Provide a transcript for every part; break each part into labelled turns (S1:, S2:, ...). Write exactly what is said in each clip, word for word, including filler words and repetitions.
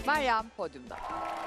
S1: Meryem podyumda.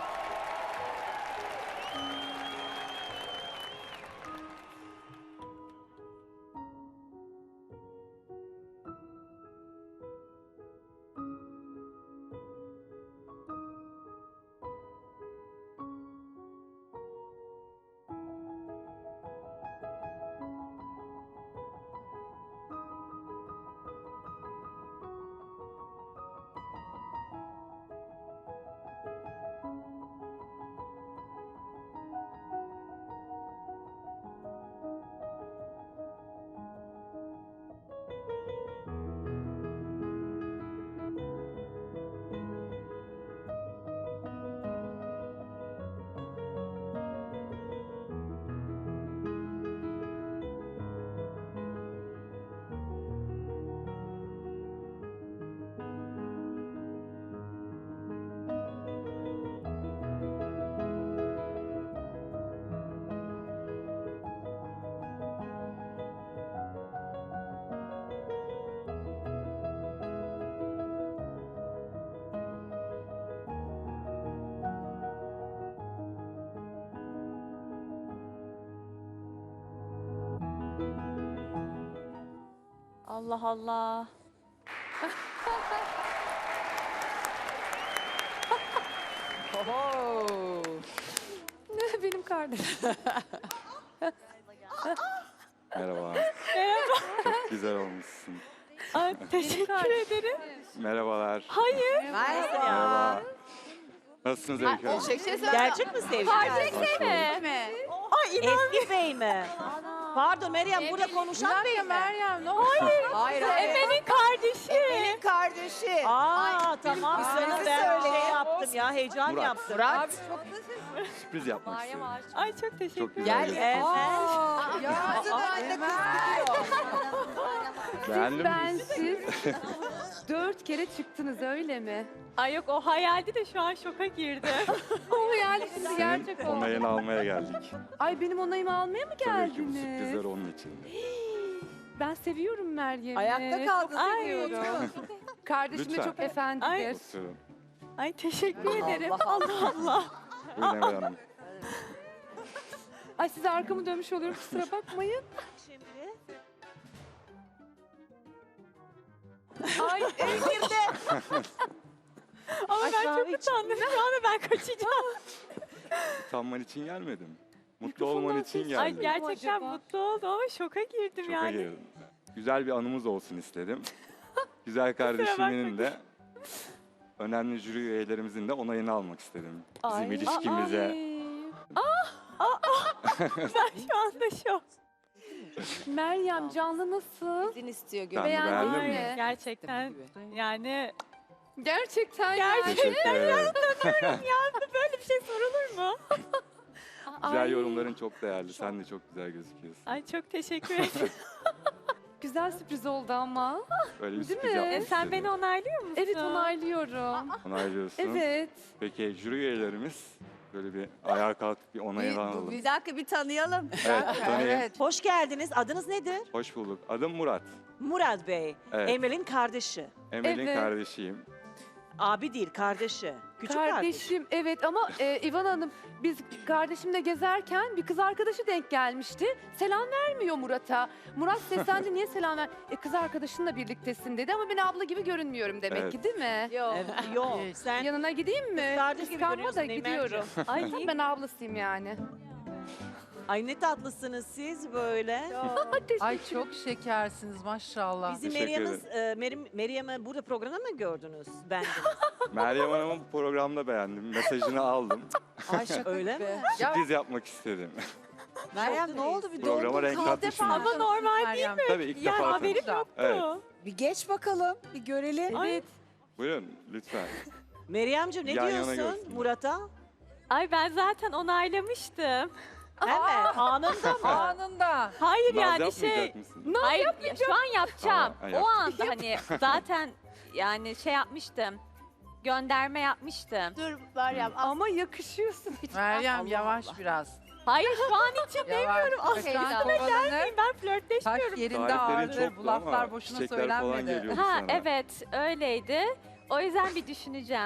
S2: Allah Allah.
S1: Oho.
S2: Benim kardeşim.
S3: Merhaba.
S2: Merhaba.
S3: Çok güzel olmuşsun.
S2: Ay, teşekkür ederim.
S3: Merhabalar.
S2: Hayır.
S3: Merhaba. Nasılsınız Öykü Hanım?
S1: Şey, şey söyle.
S4: Gerçek mi sevgili?
S2: Kardeş
S3: Hoş bulduk.
S2: mi?
S4: Ay Eski Bey mi? Pardon Meryem burada konuşan Bey mi?
S2: Meryem ne Hayır.
S1: Hayır, hayır.
S2: Emel'in kardeşi.
S4: Emel'in kardeşi. Aa tamam sana ben şey yaptım ya heyecan
S3: Murat.
S4: yaptım.
S1: Murat.
S3: Sürpriz yapmak istedim.
S2: Ay çok teşekkür
S3: Çok
S2: ederim.
S3: güzel
S1: Gel.
S3: gözüküyorsun.
S1: Aa, ya.
S3: Beğendin
S5: Ben
S3: mi?
S5: siz dört kere çıktınız öyle mi?
S2: Ay yok o hayaldi de şu an şoka girdi.
S5: O yani şimdi
S3: Senin
S5: gerçek oldu.
S3: onayını almaya geldik.
S5: Ay benim onayımı almaya mı
S3: Tabii ki bu
S5: geldiniz?
S3: sürprizler onun için.
S5: Ben seviyorum Meryem'i.
S1: Ayakta kaldın.
S2: Ay.
S5: Seviyorum. Kardeşim de
S3: Lütfen.
S5: çok efendidir.
S2: Ay.
S3: Oturun.
S2: Ay teşekkür ederim.
S1: Allah
S2: Allah Allah.
S3: Buyurun Emel Hanım.
S5: Ay size arkamı dönmüş oluyorum kusura bakmayın.
S4: Şimdi
S5: Ay
S2: Ama
S4: Ay,
S2: ben
S4: kahve
S2: çok utandım. Şu anda ben kaçacağım.
S3: Utanman için gelmedim. Mutlu
S5: Mikrofondan
S3: olman için
S5: ses-
S2: Ay
S3: geldim.
S2: gerçekten
S5: acaba?
S2: mutlu oldum ama şoka girdim
S3: Şoka
S2: yani.
S3: girdim. Güzel bir anımız olsun istedim. Güzel kardeşimin de önemli jüri üyelerimizin de onayını almak istedim. Bizim
S2: Ay.
S3: ilişkimize.
S2: Ben şu anda şok.
S5: Meryem canlı nasıl?
S1: İzin istiyor
S3: Ben de
S5: Beğendin
S3: beğendim
S5: mi?
S3: mi?
S2: Gerçekten yani
S5: Gerçekten
S2: Gerçekten.
S3: Teşekkür ederim.
S2: böyle bir şey sorulur mu?
S3: Güzel
S5: Ay.
S3: yorumların çok değerli. Sen de çok güzel gözüküyorsun.
S2: Ay çok teşekkür ederim.
S5: Güzel sürpriz oldu ama.
S3: Öyle bir
S5: Değil
S3: sürpriz
S5: mi?
S3: yapmak
S2: E, sen
S3: istedim.
S2: beni onaylıyor musun?
S5: Evet onaylıyorum.
S3: Onaylıyorsun.
S5: Evet.
S3: Peki jüri üyelerimiz böyle bir ayağa kalkıp bir onayını alalım.
S1: Bir dakika bir tanıyalım.
S3: Evet, tanıyayım.
S4: hoş geldiniz. Adınız nedir?
S3: Hoş bulduk. Adım Murat.
S4: Murat Bey.
S3: Evet.
S4: Emel'in kardeşi.
S3: Emel'in
S5: Evet.
S3: kardeşiyim.
S4: Abi değil kardeşi. Küçük kardeş.
S5: Kardeşim evet ama e, İvan Hanım biz kardeşimle gezerken bir kız arkadaşı denk gelmişti. Selam vermiyor Murat'a. Murat seslendi niye selam ver? E, kız arkadaşınla birliktesin dedi ama ben abla gibi görünmüyorum demek
S3: Evet.
S5: ki değil mi?
S1: Yok.
S4: Evet, yok sen
S5: Yanına gideyim mi?
S4: kardeş gibi
S5: Kıskanma
S4: görünüyorsun
S5: da gidiyorum.
S2: Ay
S5: ben ablasıyım yani.
S4: Ay ne tatlısınız siz böyle.
S6: Ay çok şekersiniz maşallah.
S4: Bizi
S3: Teşekkür
S4: Meryem'i e, Meryem, Meryem'i burada programda mı gördünüz? Ben
S3: Meryem Hanım'ın bu programda beğendim. Mesajını aldım.
S1: Ay şaka
S4: Öyle
S1: gibi.
S4: mi?
S3: Sürpriz yapmak istedim.
S1: Meryem ne oldu bir
S3: Programa
S1: dondun
S3: renk
S1: kaldı
S3: katmışsın.
S1: falan.
S2: ama normal değil mi?
S3: Tabii ilk
S2: Yani
S3: defa
S2: haberim
S3: tanıştık.
S2: yoktu.
S3: Evet.
S1: Bir geç bakalım bir görelim.
S2: Ay,
S3: Buyurun lütfen.
S4: Meryemciğim ne
S3: Yan yana
S4: diyorsun
S3: görsünler.
S4: Murat'a?
S2: ay ben zaten onaylamıştım.
S4: Hemen anında mı?
S6: Anında.
S2: Hayır
S3: Naz
S2: yani
S3: yapmayacak
S2: şey.
S3: mısın?
S2: Hayır ya şu an yapacağım.
S3: Aa, ha,
S2: o anda hani zaten yani şey yapmıştım. Gönderme yapmıştım.
S1: Dur Meryem.
S5: Ama yakışıyorsun. Hiç
S6: Meryem
S1: Allah
S6: yavaş
S1: Allah.
S6: biraz.
S2: Hayır şu an için
S6: Yavaş.
S2: Ah,
S6: Kıskan kovalanır.
S2: ben flörtleşmiyorum.
S6: Taş yerinde
S3: Tariflerin
S6: ağırdır.
S3: çoktu
S6: Bu laflar
S3: ama
S6: boşuna
S3: çiçekler falan
S6: söylenmedi.
S3: geliyordu
S2: Ha
S3: sana.
S2: evet öyleydi. O yüzden bir düşüneceğim.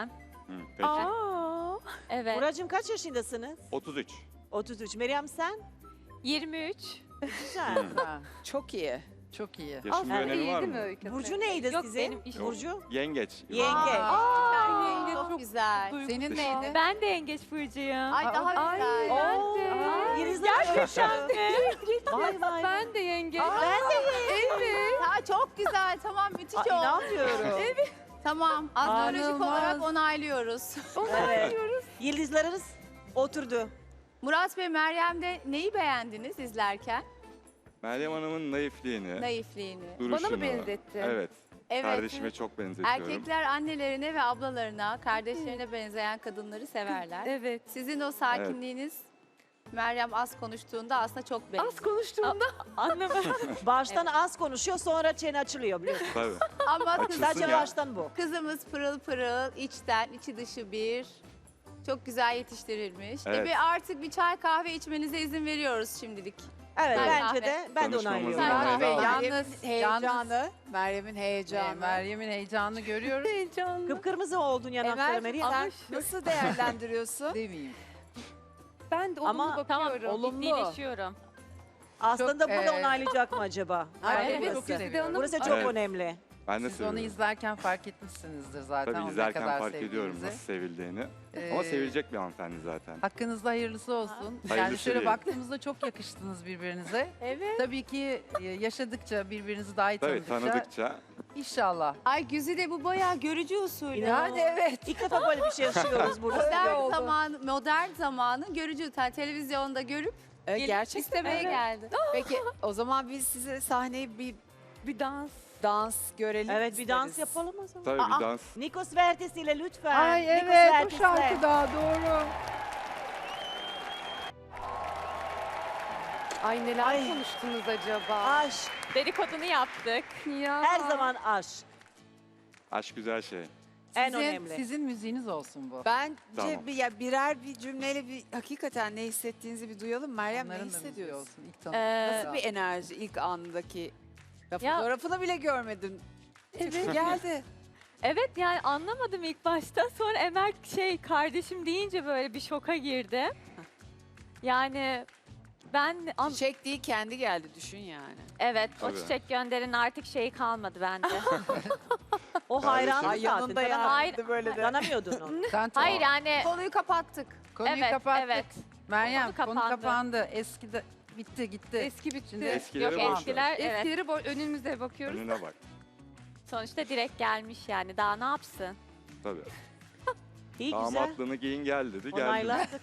S3: Hı, peki.
S2: Aa. Evet.
S4: Buracığım kaç yaşındasınız?
S3: otuz üç.
S4: otuz üç. Meryem sen?
S2: yirmi üç.
S4: Güzel.
S6: Ha,
S1: Çok iyi.
S6: çok iyi.
S3: Yaşın bir
S5: Aslında
S3: önemi
S5: iyi
S3: var
S5: değil mi
S3: mı?
S5: Öykü?
S4: Burcu neydi
S2: Yok,
S4: sizin?
S2: benim işim-
S4: Burcu?
S3: Yengeç.
S4: Yenge.
S5: Aa, yenge
S1: Çok
S5: çok
S1: güzel.
S6: Senin neydi?
S2: Ben de yengeç burcuyum.
S1: Ay daha
S5: Ay,
S1: güzel.
S5: ben
S4: Oo,
S5: de.
S4: Yelizler
S2: Gerçekten mi?
S4: Vay vay.
S5: Ben de yenge.
S4: Ben de
S5: Evet.
S7: Ha, çok güzel. Tamam müthiş
S4: Aa,
S7: oldu.
S4: inanmıyorum.
S7: Tamam. Astrolojik
S6: İnanılmaz.
S7: olarak onaylıyoruz.
S4: Evet. Yıldızlarınız oturdu.
S7: Murat ve Meryem'de neyi beğendiniz izlerken?
S3: Meryem Hanım'ın naifliğini,
S7: Naifliğini.
S3: duruşunu.
S5: Bana mı benzetti?
S3: Evet.
S7: Evet.
S3: Kardeşime çok benzetiyorum.
S7: Erkekler annelerine ve ablalarına, kardeşlerine benzeyen kadınları severler.
S5: Evet.
S7: Sizin o sakinliğiniz Meryem az konuştuğunda aslında çok benziyor.
S5: Az konuştuğumda
S2: Anlamadım.
S4: Baştan az konuşuyor sonra çene açılıyor biliyorsun.
S3: Tabii.
S7: Ama kız,
S3: Açılsın
S4: Sadece
S3: ya.
S4: baştan bu.
S7: kızımız pırıl pırıl, içten, içi dışı bir. Çok güzel yetiştirilmiş.
S3: Evet.
S7: E bir artık bir çay kahve içmenize izin veriyoruz şimdilik.
S4: Evet
S7: Ben
S4: bence
S7: kahve.
S4: de ben de
S3: Tanışmamızın
S4: onaylıyorum.
S7: Sen
S3: onayını
S7: kahve,
S3: aldım.
S6: Yalnız,
S1: Meryem'in
S6: yalnız
S1: heyecanı. Meryem'in
S6: e,
S1: heyecanı.
S6: Meryem'in heyecanını görüyoruz.
S5: heyecanlı.
S4: Kıpkırmızı oldun yanakları
S1: Emel
S4: Meryem.
S1: sen nasıl değerlendiriyorsun?
S6: Demeyeyim.
S5: Ben de olumlu
S4: Ama-
S2: Tamam,
S5: bakıyorum.
S1: olumlu.
S2: ciddileşiyorum.
S4: Aslında
S6: Çok,
S4: burada
S6: e,
S4: onaylayacak mı acaba?
S1: Ay,
S4: Nerede
S1: evet,
S4: burası?
S6: çok seviyorum.
S4: Burası çok
S3: Evet.
S4: önemli.
S3: Ben de
S6: Siz onu
S3: seviyorum.
S6: izlerken fark etmişsinizdir zaten.
S3: Tabii
S6: onu ne
S3: izlerken
S6: kadar
S3: fark ediyorum
S6: sevdiğinizi.
S3: nasıl sevildiğini.
S6: Ee,
S3: Ama sevilecek bir hanımefendi zaten.
S6: Hakkınızda hayırlısı olsun. yani
S3: Hayırlısı
S6: şöyle
S3: değil.
S6: baktığımızda çok yakıştınız birbirinize.
S7: Evet.
S6: Tabii ki e, yaşadıkça birbirinizi daha iyi
S3: Tabii
S6: tanıdıkça
S3: tanıdıkça
S6: inşallah.
S7: Ay Güzide bu bayağı görücü usulü.
S4: Yani evet. İlk defa böyle bir şey yaşıyoruz burada.
S7: Modern zaman, modern zamanın görücü. Yani televizyonda görüp
S1: E,
S7: gelip
S1: gerçekten
S7: istemeye
S1: evet.
S7: geldi.
S1: Peki o zaman biz size sahneyi bir
S5: Bir dans.
S1: dans görelim.
S4: Evet bir dans
S1: isteriz.
S4: yapalım o zaman.
S3: tabii
S4: Aa,
S3: bir dans.
S4: Nikos Vertes ile lütfen.
S6: Ay
S4: Nikos
S6: evet o
S4: Vertes'le.
S6: şarkıda doğru.
S5: Ay neler
S4: Ay.
S5: konuştunuz acaba?
S4: Aşk.
S2: Dedikodunu yaptık.
S5: Ya.
S4: Her zaman aşk.
S3: Aşk güzel şey.
S4: En
S6: Sizin,
S4: önemli.
S6: sizin müziğiniz olsun bu.
S1: Bence
S3: Tamam.
S1: bir, ya birer bir cümleyle bir hakikaten ne hissettiğinizi bir duyalım. Meryem
S6: Onların
S1: ne
S6: da müziği
S1: hissediyorsun?
S6: olsun. İlk
S2: Ee,
S6: tanıştığınızda.
S1: Nasıl bir enerji ilk andaki? Ya,
S2: Ya-
S1: fotoğrafını bile görmedim. Evet. Geldi.
S2: Evet, yani anlamadım ilk başta. Sonra Emel şey kardeşim deyince böyle bir şoka girdi. Yani ben an-
S1: Çiçek değil kendi geldi düşün yani.
S2: evet o
S3: Tabii.
S2: çiçek gönderin artık şeyi kalmadı bende.
S4: O
S3: Kardeşim.
S4: hayranlık
S1: Ay
S4: zaten.
S1: yanında
S4: Tanam-
S2: Hayır.
S1: böyle de.
S4: Tanamıyordun onu.
S6: Sen
S2: Hayır yani
S7: Konuyu kapattık.
S6: konuyu
S2: evet
S6: kapattık.
S2: evet
S6: Meryem
S2: Konu
S6: konu
S2: kapandı.
S6: kapandı. Eski de bitti gitti.
S5: Eski bitti.
S6: Şimdi
S3: Eskileri
S2: yok
S3: boş ver.
S2: eskiler evet
S5: Eskileri bo- önümüzde bakıyoruz.
S3: Önüne bak.
S2: sonuçta direkt gelmiş yani daha ne yapsın?
S3: Tabii.
S4: İyi güzel.
S3: Damatlığını giyin gel dedi. Geldi.
S4: Onayladık.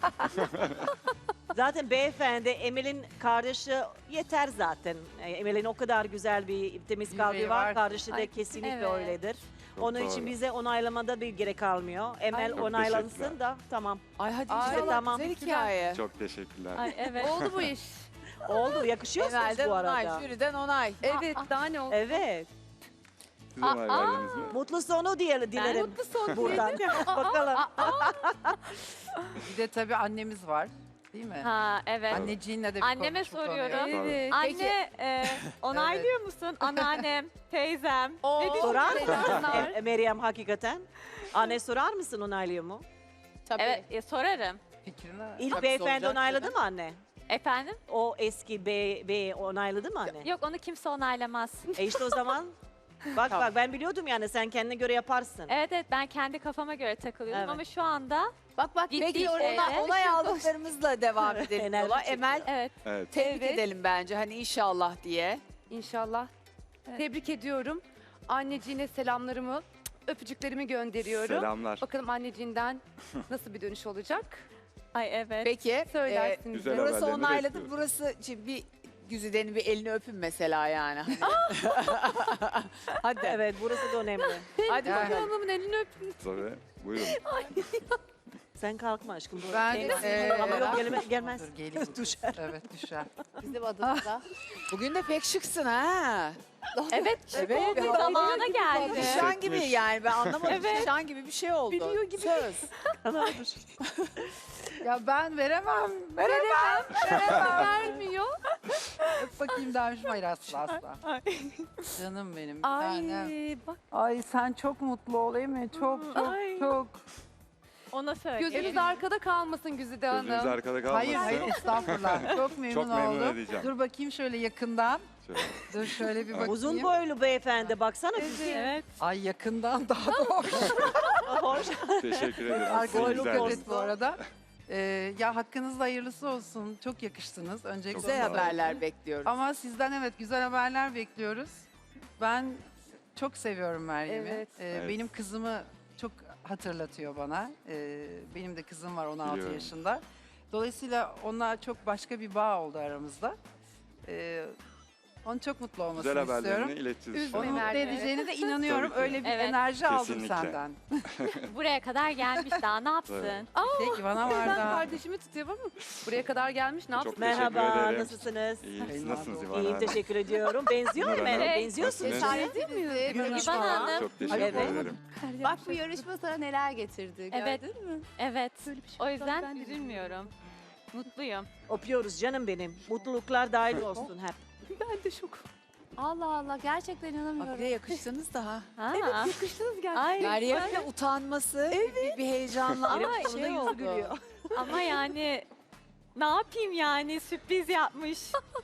S4: Zaten beyefendi Emel'in kardeşi yeter zaten. E, Emel'in o kadar güzel bir temiz kalbi
S6: Yüreği
S4: var.
S6: var.
S4: Kardeşi de
S2: Ay,
S4: kesinlikle
S2: evet.
S4: öyledir.
S3: Çok
S4: Onun
S3: doğru.
S4: için bize onaylamada bir gerek kalmıyor. Emel
S3: Çok
S4: onaylansın
S3: teşekkürler.
S4: da tamam.
S1: Ay hadi
S6: Ay,
S1: inşallah
S4: tamam.
S1: güzel hikaye.
S3: Çok teşekkürler.
S2: Ay evet.
S5: Oldu bu iş.
S4: Oldu yakışıyorsunuz
S1: Emel'den
S4: bu
S1: onay,
S4: arada.
S1: jüriden onay.
S5: Evet daha ne oldu?
S4: Evet.
S3: Siz onay verdiniz mi?
S4: Mutlu sonu diyelim dilerim.
S5: Mutlu son
S4: Buradan. Bakalım.
S6: bir de tabii annemiz var. Değil mi?
S2: Ha evet.
S6: Anneciğinle de bir
S2: Anneme
S6: konuş bu konuyu.
S2: soruyorum.
S5: Evet.
S2: Anne e, onaylıyor musun? Anneannem, teyzem. Ne
S4: Sorar
S2: düşünüyorsun?
S4: mısın E- Meryem hakikaten? Anne sorar mısın onaylıyor mu?
S7: Tabii.
S2: Evet e, sorarım.
S6: Fikrini
S4: İlk
S1: Tabii
S4: beyefendi
S1: soracak
S4: onayladı
S1: tabii.
S4: mı anne?
S2: Efendim?
S4: O eski bey, bey onayladı mı anne?
S2: Yok onu kimse onaylamaz.
S4: E işte o zaman bak bak ben biliyordum yani sen kendine göre yaparsın.
S2: Evet evet ben kendi kafama göre takılıyordum
S4: Evet.
S2: ama şu anda
S7: Bak bak
S2: Ciddi
S7: peki
S2: şey.
S7: orada
S2: Evet.
S1: Onay aldıklarımızla devam edelim
S4: Enerji
S1: yola.
S4: çekiyor.
S1: Emel
S2: evet. Evet.
S1: tebrik
S5: Evet.
S1: edelim bence hani inşallah diye.
S5: İnşallah.
S2: Evet.
S5: Tebrik ediyorum. Anneciğine selamlarımı, öpücüklerimi gönderiyorum.
S3: Selamlar.
S5: Bakalım anneciğinden nasıl bir dönüş olacak?
S2: Ay evet.
S1: Peki
S5: Söylersiniz.
S3: Güzel
S5: de.
S1: burası
S3: haberlerini
S1: onayladı.
S3: bekliyoruz.
S1: Burası şimdi bir Güzide'nin bir elini öpün mesela yani. Hadi.
S4: Evet burası da önemli.
S1: Hadi
S6: Yani.
S1: bakalım.
S5: Hanımın elini öpün.
S3: Tabii. Buyurun.
S4: Sen kalkma aşkım. Bu
S6: Ben
S4: temiz.
S6: eee,
S4: Ama yok gelme, gelmez.
S6: Dur, geleyim bu kız.
S4: Düşer.
S6: Evet düşer.
S7: bizim adımıza.
S1: Bugün de pek şıksın ha.
S2: Evet.
S1: Evet.
S2: oldu,
S1: bir
S2: zamana geldi.
S1: Nişan gibi
S3: Hissetmiş.
S1: yani ben anlamadım.
S2: Evet.
S1: Nişan gibi bir şey oldu.
S5: Biliyor gibi.
S1: Söz.
S6: Ya ben veremem.
S5: Veremem. Veremem. Vermiyor.
S6: Öp bakayım dermişim. Hayır asla asla. Canım benim. bir
S5: Ay
S6: tanem.
S5: bak
S6: Ay sen çok mutlu ol değil mi? Çok çok
S2: Ay.
S6: çok.
S2: Ona söyleyeyim.
S5: Gözünüz arkada kalmasın Güzide Hanım.
S3: Gözünüz arkada kalmasın.
S6: Hayır hayır estağfurullah. Çok memnun,
S3: Çok memnun
S6: oldum.
S3: edeceğim.
S6: Dur bakayım şöyle yakından.
S3: Şöyle.
S6: Dur şöyle bir bakayım.
S4: Uzun boylu beyefendi baksana.
S2: Evet.
S6: Ay yakından daha da hoş.
S4: Hoş.
S3: Teşekkür ederim.
S6: Arkadaşlar
S3: Güzel.
S6: evet bu arada. Ee, ya hakkınızda hayırlısı olsun. Çok yakıştınız. Öncelikle
S3: Çok
S6: onu
S3: sağ olun.
S6: söyleyeyim.
S1: bekliyoruz.
S6: Ama sizden evet güzel haberler bekliyoruz. Ben çok seviyorum Meryem'i.
S5: Evet.
S6: Ee,
S3: Evet.
S6: Benim kızımı çok hatırlatıyor bana. Ee, benim de kızım var on altı
S3: Biliyorum.
S6: yaşında. Dolayısıyla onunla çok başka bir bağ oldu aramızda. Ee, onun çok mutlu olmasını
S3: Güzel haberlerini
S6: istiyorum.
S3: ileteceğiz.
S5: Üzme
S6: Onu
S3: sonra.
S6: mutlu
S5: Meryem'i.
S6: edeceğine de inanıyorum.
S3: Tabii ki.
S6: Öyle bir
S2: Evet.
S6: enerji aldım
S3: Kesinlikle.
S6: senden.
S2: Buraya kadar gelmiş daha ne yapsın?
S3: Evet.
S6: Peki bana var
S5: Ben
S6: da.
S5: kardeşimi tutuyorum ama buraya kadar gelmiş ne
S3: Çok
S5: yapsın?
S3: teşekkür
S4: Merhaba,
S3: ederim.
S4: nasılsınız?
S3: İyi, siz
S6: İyiyim
S3: nasılsınız
S6: abi.
S3: İvan
S4: İyiyim,
S3: Hanım?
S4: teşekkür ediyorum. Benziyor mu
S3: İvan
S4: Emel?
S3: Hanım,
S4: Benziyorsunuz.
S3: nasılsınız?
S2: İvan Hanım.
S3: Çok teşekkür
S4: Evet.
S3: ederim.
S7: Bak bu yarışma sana neler getirdi.
S2: Evet.
S7: Gördün mü?
S2: Evet.
S5: Böyle bir şey
S2: O
S5: olsa
S2: yüzden
S5: ben de
S2: üzülmüyorum. Mutluyum.
S4: Öpüyoruz canım benim. Mutluluklar dahil olsun hep.
S5: Ben de şok.
S7: Allah Allah gerçekten inanamıyorum.
S1: Abi yakıştınız daha.
S2: Ha.
S5: Yakıştınız gerçekten.
S2: Ay,
S1: Meryem'in utanması, bir, bir heyecanla
S2: Ama
S1: bir
S2: şey
S1: şey
S2: oldu.
S1: oldu.
S2: ama yani ne yapayım yani sürpriz yapmış.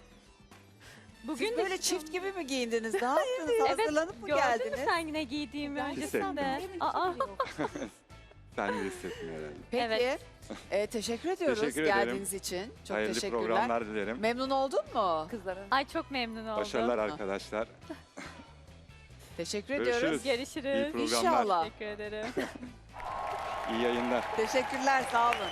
S2: Bugün
S1: Siz
S2: de
S1: böyle çift gibi mi giyindiniz? Ne yaptınız?
S2: Evet,
S1: Hazırlanıp mı
S2: gördün mü
S1: geldiniz?
S2: sen yine giydiğimi öncesinde?
S3: Hissettim.
S2: Aa,
S3: Sen de hissettin herhalde.
S1: Peki.
S2: Evet.
S1: e, teşekkür ediyoruz
S3: Teşekkür ederim.
S1: geldiğiniz için. Çok
S3: Hayırlı
S1: teşekkürler.
S3: programlar dilerim.
S1: Memnun oldun mu?
S5: Kızlara.
S2: ay çok memnun oldum.
S3: Başarılar arkadaşlar.
S1: Teşekkür
S3: Görüşürüz.
S1: ediyoruz.
S3: İyi
S2: Görüşürüz.
S3: programlar.
S1: İnşallah.
S2: Teşekkür ederim.
S3: İyi yayınlar.
S1: Teşekkürler, sağ olun.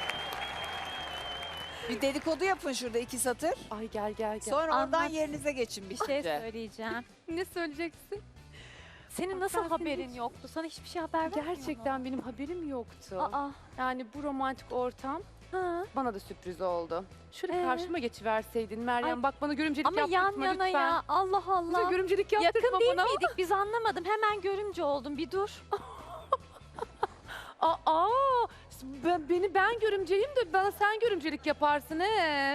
S1: Bir dedikodu yapın şurada iki satır.
S5: Ay gel gel gel.
S1: Sonra oradan
S2: Anlat.
S1: yerinize geçin
S2: Bir şey
S1: bitince.
S2: söyleyeceğim.
S5: Ne söyleyeceksin?
S2: Senin nasıl
S5: Ben seni
S2: haberin
S5: hiç-
S2: yoktu? Sana hiçbir şey haber vermedi mi?
S5: Gerçekten benim haberim yoktu.
S2: Aa.
S5: Yani bu romantik ortam
S2: Ha.
S5: bana da sürpriz oldu. Şöyle
S2: Ee?
S5: karşıma geçiverseydin Meryem.
S2: Ay.
S5: Bak bana görümcelik
S2: Ama yan
S5: yaptırtma
S2: yana
S5: lütfen.
S2: ya. Allah
S5: Bize
S2: Allah.
S5: görümcelik
S2: Yakın
S5: yaptırtma
S2: değil
S5: bana.
S2: miydik? Biz anlamadım. Hemen görümce oldum. Bir dur.
S5: Aa, ben, beni ben görümceliyim de bana sen görümcelik yaparsın he.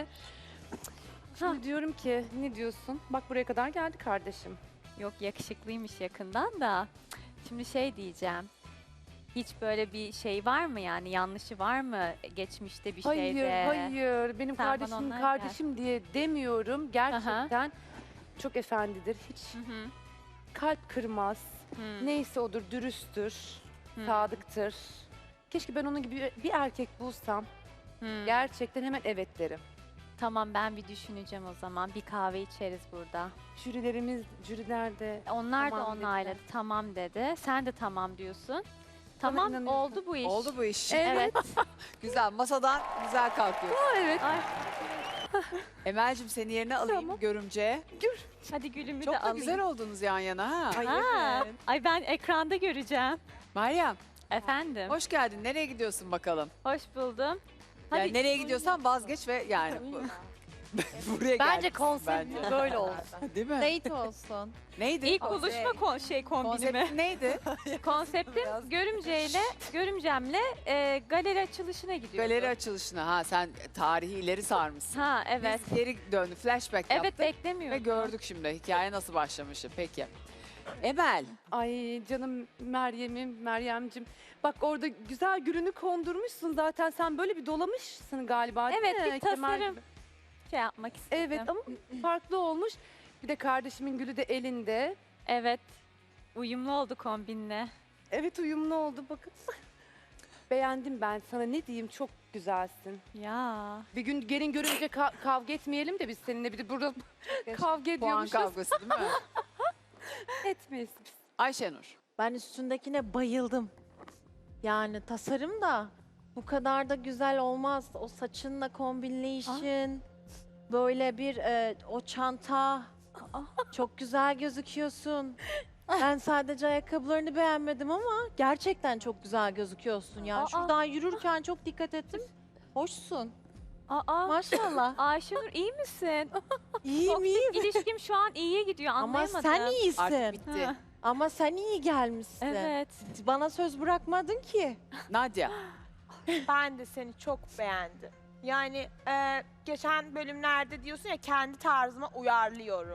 S5: Şimdi diyorum ki ne diyorsun? Bak buraya kadar geldi kardeşim.
S2: Yok yakışıklıymış yakından da. Şimdi şey diyeceğim. Hiç böyle bir şey var mı yani yanlışı var mı geçmişte bir
S5: Hayır,
S2: şeyde?
S5: hayır. Benim
S2: Sen bana
S5: kardeşim
S2: ondan
S5: kardeşim diye demiyorum. Gerçekten çok efendidir. Hiç
S2: Hı hı.
S5: kalp kırmaz.
S2: Hı.
S5: Neyse odur, dürüsttür,
S2: Hı.
S5: sadıktır. Keşke ben onun gibi bir erkek bulsam.
S2: Hı.
S5: Gerçekten hemen evet derim.
S2: Tamam ben bir düşüneceğim o zaman. Bir kahve içeriz burada.
S5: Jürilerimiz, jüriler de
S2: Onlar
S5: Tamam
S2: da
S5: dediler.
S2: onayladı. Tamam dedi. Sen de tamam diyorsun. Tamam
S5: inanıyorsun.
S2: oldu bu iş.
S1: Oldu bu iş.
S2: Evet.
S1: Güzel, masadan güzel kalkıyor.
S5: evet.
S2: Ay,
S1: Emel'cim seni yerine alayım
S5: Tamam.
S1: görümce.
S2: hadi gülümü
S1: Çok
S2: de
S1: da
S2: alayım.
S1: güzel oldunuz yan yana ha.
S2: Ha. Ay ben ekranda göreceğim.
S1: Meryem,
S2: Efendim. Hoş,
S1: hoş geldin. Nereye gidiyorsun bakalım?
S2: buldum.
S1: Yani nereye gidiyorsan vazgeç ve yani bu- buraya
S7: Bence
S1: gelmişsin
S7: konsept
S1: bence.
S7: böyle olsun.
S1: Değil mi?
S7: Date olsun.
S1: Neydi?
S2: İlk
S1: Konsept-
S2: buluşma kon şey kombinimi.
S1: Konseptin neydi?
S2: Konseptim görümceyle, görümcemle e, galeri açılışına gidiyordu.
S1: Galeri açılışına. Ha sen tarihi ileri sarmışsın.
S2: Ha evet.
S1: Biz geri döndü. Flashback
S2: Evet
S1: yaptık
S2: beklemiyordum.
S1: ve gördük şimdi hikaye nasıl başlamışı. Peki. Emel.
S5: Ay canım Meryem'im, Meryem'cim. Bak orada güzel gülünü kondurmuşsun zaten. Sen böyle bir dolamışsın galiba değil
S2: Evet,
S5: mi?
S2: bir
S5: Kemal
S2: tasarım.
S5: gibi.
S2: Şey yapmak istedim.
S5: Evet ama farklı olmuş. Bir de kardeşimin gülü de elinde.
S2: Evet. Uyumlu oldu kombinle.
S5: Evet uyumlu oldu bakın. Beğendim ben sana ne diyeyim çok güzelsin.
S2: Ya.
S5: Bir gün gelin görünce ka- kavga etmeyelim de biz seninle bir de burada kavga
S1: Puan
S5: ediyormuşuz.
S1: kavgası değil mi?
S5: Etmeyiz biz.
S1: Ayşenur.
S8: Ben üstündekine bayıldım. Yani tasarım da bu kadar da güzel olmaz. O saçınla kombinleyişin, böyle bir e, o çanta. Çok güzel gözüküyorsun. Ben sadece ayakkabılarını beğenmedim ama gerçekten çok güzel gözüküyorsun. Yani
S2: Aa.
S8: şuradan yürürken çok dikkat ettim. Hoşsun.
S2: Aa.
S8: Maşallah.
S2: Ayşenur iyi misin?
S8: İyiyim iyiyim.
S2: İlişkim şu an iyiye gidiyor
S8: Ama
S2: anlayamadım.
S8: sen iyisin.
S1: Artık bitti.
S2: Ha,
S8: Ama sen iyi gelmişsin.
S2: evet.
S8: Bana söz bırakmadın ki.
S1: Nadia.
S9: Ben de seni çok beğendim. Yani e, geçen bölümlerde diyorsun ya kendi tarzıma uyarlıyorum.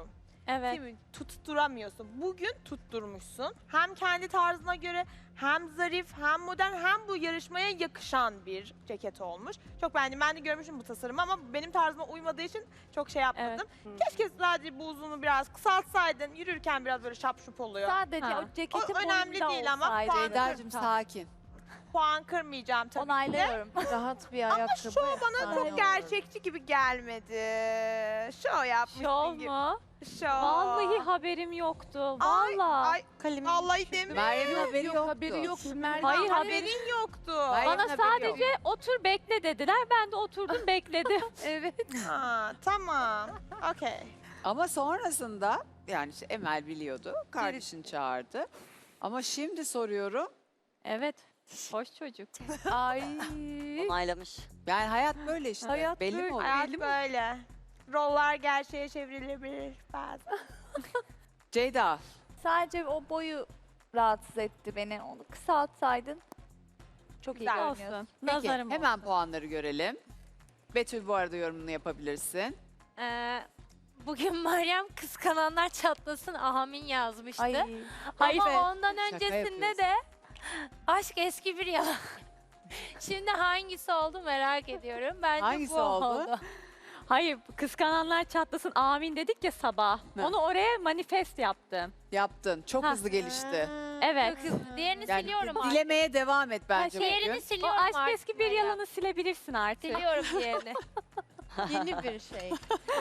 S2: Evet.
S9: Değil mi? Tutturamıyorsun. Bugün tutturmuşsun. Hem kendi tarzına göre hem zarif hem modern hem bu yarışmaya yakışan bir ceket olmuş. Çok beğendim. Ben de görmüşüm bu tasarımı ama benim tarzıma uymadığı için çok şey yapmadım. Keşke sadece bu uzunu biraz kısaltsaydın. Yürürken biraz böyle şapşup oluyor.
S2: Sadece
S5: Ha.
S2: o ceketin
S9: O önemli
S2: boyunda
S9: değil ama
S2: olsaydı.
S9: puan,
S10: Ceyda'cığım sakin.
S9: puan kırmayacağım tabii ki de.
S2: Onaylıyorum.
S8: Rahat bir ayakkabı.
S9: Şov bana
S8: efsane
S9: çok
S8: olur.
S9: gerçekçi gibi gelmedi. Şov yapmışsın
S2: Şov
S9: gibi.
S2: mu?
S9: Şov.
S2: Vallahi haberim yoktu.
S9: Ay,
S2: Vallahi.
S9: ay, vallahi demiyorum.
S10: Meryem'in haberi
S5: Yok,
S10: yoktu.
S5: haberi yok. Meryem.
S2: Hayır,
S5: Hayır,
S9: Haberin yoktu.
S10: Meryem'in
S2: Bana
S10: haberi
S2: sadece
S10: yok.
S2: otur bekle dediler. Ben de oturdum bekledim.
S5: Evet.
S9: Ha, tamam. Okey.
S10: Ama sonrasında yani işte Emel biliyordu. Kardeşini çağırdı. Ama şimdi soruyorum.
S2: Evet. Hoş çocuk.
S5: Ay.
S1: Onaylamış.
S10: Yani hayat böyle işte.
S5: Hayat
S10: Belli
S5: böyle.
S10: mi olur?
S9: Hayat böyle. Roller gerçeğe çevrilebilir bazen.
S10: Ceyda.
S11: Sadece o boyu rahatsız etti beni. Onu kısaltsaydın çok iyi
S9: Güzel.
S11: görünüyorsun.
S2: Olsun.
S10: Peki
S2: Nazarım
S10: hemen
S2: olsun.
S10: puanları görelim. Betül bu arada yorumunu yapabilirsin.
S12: Ee, bugün Meryem kıskananlar çatlasın ahamin yazmıştı.
S11: Ay.
S2: Hayır
S12: Ama
S2: be.
S12: ondan
S10: Şaka
S12: öncesinde
S10: yapıyorsun.
S12: de aşk eski bir yalan. Şimdi hangisi oldu merak ediyorum. Bence
S10: Hangisi
S12: bu
S10: oldu?
S12: oldu.
S2: Hayır, kıskananlar çatlasın amin dedik ya sabah.
S10: Ha.
S2: Onu oraya manifest yaptım.
S10: Yaptın. Çok
S2: Ha.
S10: hızlı gelişti.
S2: Evet.
S12: Çok hızlı. Diğerini
S10: Yani
S12: siliyorum artık.
S10: dilemeye devam et bence
S12: Diğerini
S10: bugün.
S2: O
S12: siliyorum
S2: aşk
S12: artık
S2: eski bir
S12: Meryem.
S2: yalanı silebilirsin artık.
S12: Siliyorum diğerini.
S8: Yeni bir şey.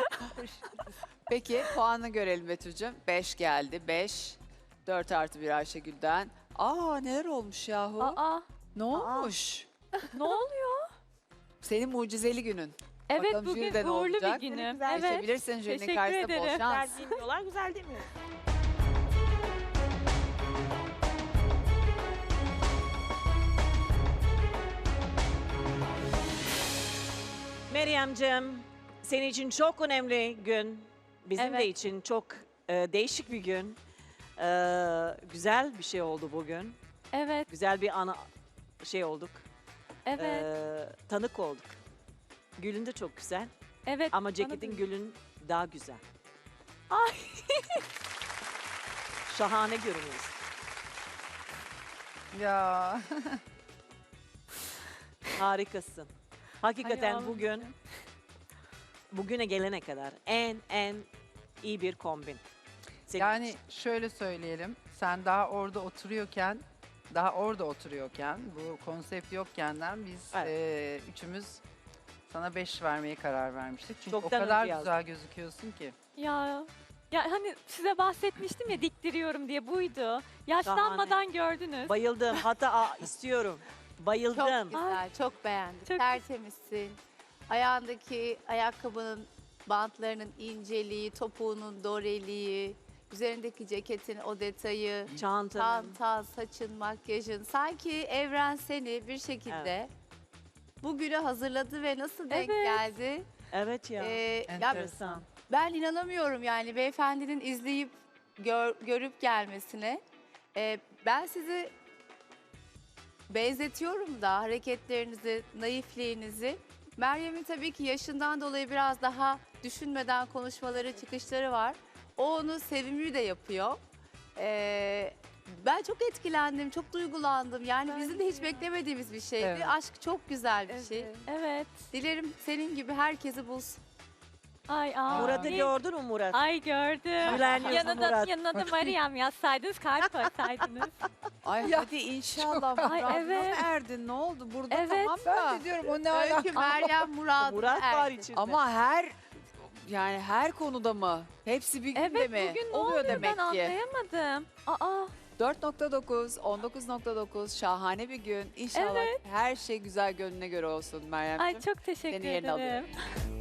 S10: Peki puanını görelim Betül'cüm. beş geldi. beş. dört artı bir Ayşegül'den. Aa neler olmuş yahu?
S2: Aa,
S10: Ne olmuş?
S2: ne oluyor?
S10: Senin mucizeli günün.
S2: Evet,
S10: Bakalım
S2: bugün
S10: jüride ne
S2: uğurlu bir
S10: olacak?
S2: günüm.
S9: Güzel
S2: Evet.
S10: Geçebilirsin jürinin
S2: teşekkür
S10: karşısında bol
S2: ederim.
S10: şans.
S9: Güzel dinliyorlar, güzel değil mi?
S4: Meryem'cim, senin için çok önemli gün. Bizim de
S2: Evet.
S4: için çok e, değişik bir gün. E, güzel bir şey oldu bugün.
S2: Evet,
S4: Güzel bir ana şey olduk.
S2: evet,
S4: E, tanık olduk. Gülün de çok güzel
S2: evet.
S4: ama
S2: bana
S4: ceketin
S2: da-
S4: gülün daha güzel.
S2: Ay.
S4: Şahane görünüyorsun.
S6: Ya.
S4: Harikasın. Hakikaten
S2: Ay,
S4: bugün,
S2: ağlamayacağım.
S4: bugüne gelene kadar en en iyi bir kombin. Senin
S6: Yani
S4: için.
S6: şöyle söyleyelim. Sen daha orada oturuyorken, daha orada oturuyorken, bu konsept yokkenden biz
S4: Evet.
S6: eee, üçümüz sana beş vermeye karar vermiştik. Çünkü
S4: Çoktan
S6: o kadar
S4: önce
S6: güzel gözüküyorsun ki.
S2: Ya, ya hani size bahsetmiştim ya diktiriyorum diye buydu. Yaşlanmadan gördünüz.
S4: Bayıldım. Hatta aa, istiyorum. Bayıldım.
S8: Çok güzel, çok beğendim.
S2: Çok-
S8: Tertemizsin. Ayağındaki ayakkabının bantlarının inceliği, topuğunun doreliği, üzerindeki ceketin o detayı,
S4: Çantanın.
S8: çantan, saçın, makyajın. Sanki evren seni bir şekilde bugüne hazırladı ve nasıl denk
S2: Evet.
S8: geldi?
S4: Evet ya.
S8: Ee, ya
S4: Enteresan.
S8: ben inanamıyorum yani beyefendinin izleyip gör- görüp gelmesine. Ee, ben sizi benzetiyorum da hareketlerinizi, naifliğinizi. Meryem'in tabii ki yaşından dolayı biraz daha düşünmeden konuşmaları, çıkışları var. O onu sevimli de yapıyor. Ee, ben çok etkilendim, çok duygulandım. Yani bizim de hiç beklemediğimiz bir şeydi.
S6: Evet.
S8: Aşk çok güzel bir şey.
S2: Evet.
S8: Dilerim senin gibi herkesi bulsun.
S2: Ay aa.
S4: Murat'ı
S2: ne-
S4: gördün mü Murat?
S2: Ay gördüm.
S4: Gülen yüzlü
S2: Yanına,
S4: Murat.
S2: yanına da Meryem yazsaydınız, kalp koysaydınız.
S10: Ay hadi inşallah.
S2: Ay,
S10: Murat'ına
S2: evet.
S10: mı erdin? Ne oldu? Burada
S2: Evet.
S10: tamam da.
S6: Ben de diyorum o ne
S8: Öykü, Meryem, Murat,
S4: Murat var
S8: Ersin.
S4: içinde.
S10: Ama her yani her konuda mı? Hepsi bir günde
S2: Evet,
S10: mi?
S2: bugün ne
S10: Oluyor
S2: oluyor
S10: demek
S2: ben
S10: ki.
S2: anlayamadım. Aa,
S10: dört nokta dokuz, on dokuz nokta dokuz şahane bir gün. İnşallah her şey güzel gönlüne göre olsun Meryemciğim.
S2: ay çok teşekkür
S10: Seni yerine
S2: ederim.
S10: alıyorum.